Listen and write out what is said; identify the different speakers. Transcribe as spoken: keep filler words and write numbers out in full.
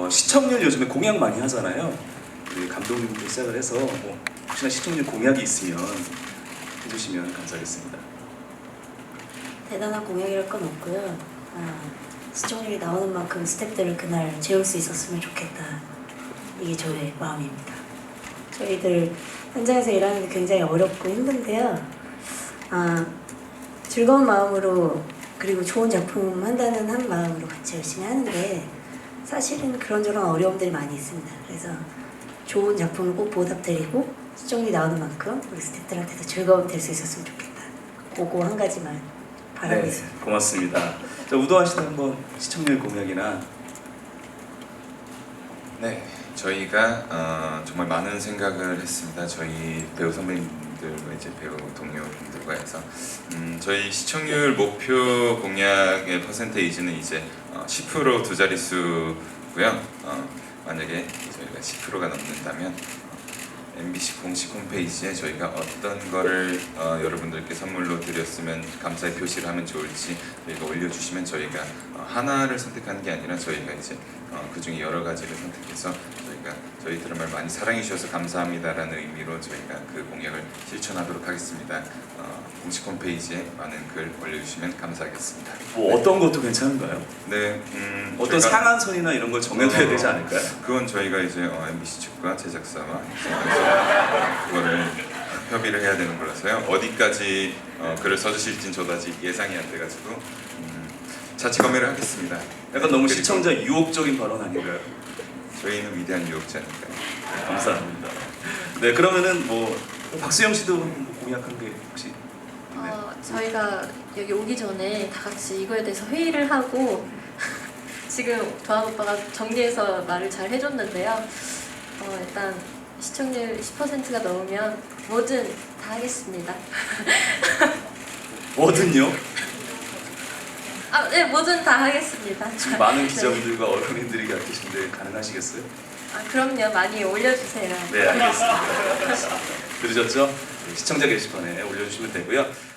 Speaker 1: 어, 시청률 요즘에 공약 많이 하잖아요. 우리 감독님부터 시작을 해서 뭐 혹시나 시청률 공약이 있으면 해주시면 감사하겠습니다.
Speaker 2: 대단한 공약이랄 건 없고요. 아, 시청률이 나오는 만큼 스태프들을 그날 재울 수 있었으면 좋겠다. 이게 저의 마음입니다. 저희들 현장에서 일하는 게 굉장히 어렵고 힘든데요. 아, 즐거운 마음으로 그리고 좋은 작품 한다는 한 마음으로 같이 열심히 하는데 사실은 그런저런 어려움들이 많이 있습니다. 그래서 좋은 작품을 꼭 보답드리고 시청률이 나오는 만큼 우리 스태프들한테도 즐거움 될 수 있었으면 좋겠다. 그거 한 가지만 바라고
Speaker 1: 네,
Speaker 2: 있습니다.
Speaker 1: 고맙습니다. 자, 우도환 씨도 한번 시청률 공약이나.
Speaker 3: 네, 저희가 어, 정말 많은 생각을 했습니다. 저희 배우 선배님들과 이제 배우 동료분들과 해서 음, 저희 시청률 목표 공약의 퍼센테이지는 이제 어, 십 퍼센트 두 자릿수고요. 어, 만약에 저희가 십 퍼센트가 넘는다면 엠비씨 공식 홈페이지에 저희가 어떤 거를 어, 여러분들께 선물로 드렸으면 감사의 표시를 하면 좋을지 저희가 올려주시면 저희가 어, 하나를 선택하는 게 아니라 저희가 이제 어, 그 중에 여러 가지를 선택해서 저희가 저희 드라마를 많이 사랑해 주셔서 감사합니다라는 의미로 저희가 그 공약을 실천하도록 하겠습니다. 어, 공식 홈페이지에 많은 글 올려주시면 감사하겠습니다.
Speaker 1: 뭐 어떤 것도 괜찮은가요?
Speaker 3: 네, 음,
Speaker 1: 어떤
Speaker 3: 저희가-
Speaker 1: 상한선이나 이런 걸 정해둬야
Speaker 3: 어,
Speaker 1: 되지 않을까요?
Speaker 3: 그건 저희가 이제 어, 엠비씨 측과 제작사와 이제 그거를 협의를 해야 되는 거라서요. 어디까지 어, 글을 써주실진 저도 아직 예상이 안 돼가지고 음, 자체 검열을 하겠습니다.
Speaker 1: 약간 너무
Speaker 3: 그리고
Speaker 1: 시청자 유혹적인 발언 아닌가요?
Speaker 3: 저희는 위대한 유혹자니까요.
Speaker 1: 네, 감사합니다. 네, 그러면은 뭐 박수영 씨도 뭐 공약한 게 혹시 있나요?
Speaker 4: 어, 저희가 여기 오기 전에 다 같이 이거에 대해서 회의를 하고 지금 도한 오빠가 정리해서 말을 잘 해줬는데요. 어, 일단 시청률 십 퍼센트가 넘으면 뭐든 다 하겠습니다.
Speaker 1: 뭐든요?
Speaker 4: 아, 네, 뭐든 다 하겠습니다.
Speaker 1: 지금 많은
Speaker 4: 네.
Speaker 1: 기자분들과 언론인들이 계신데 가능하시겠어요?
Speaker 4: 아, 그럼요. 많이 올려주세요.
Speaker 1: 네, 알겠습니다. 들으셨죠? 시청자 게시판에 올려주시면 되고요.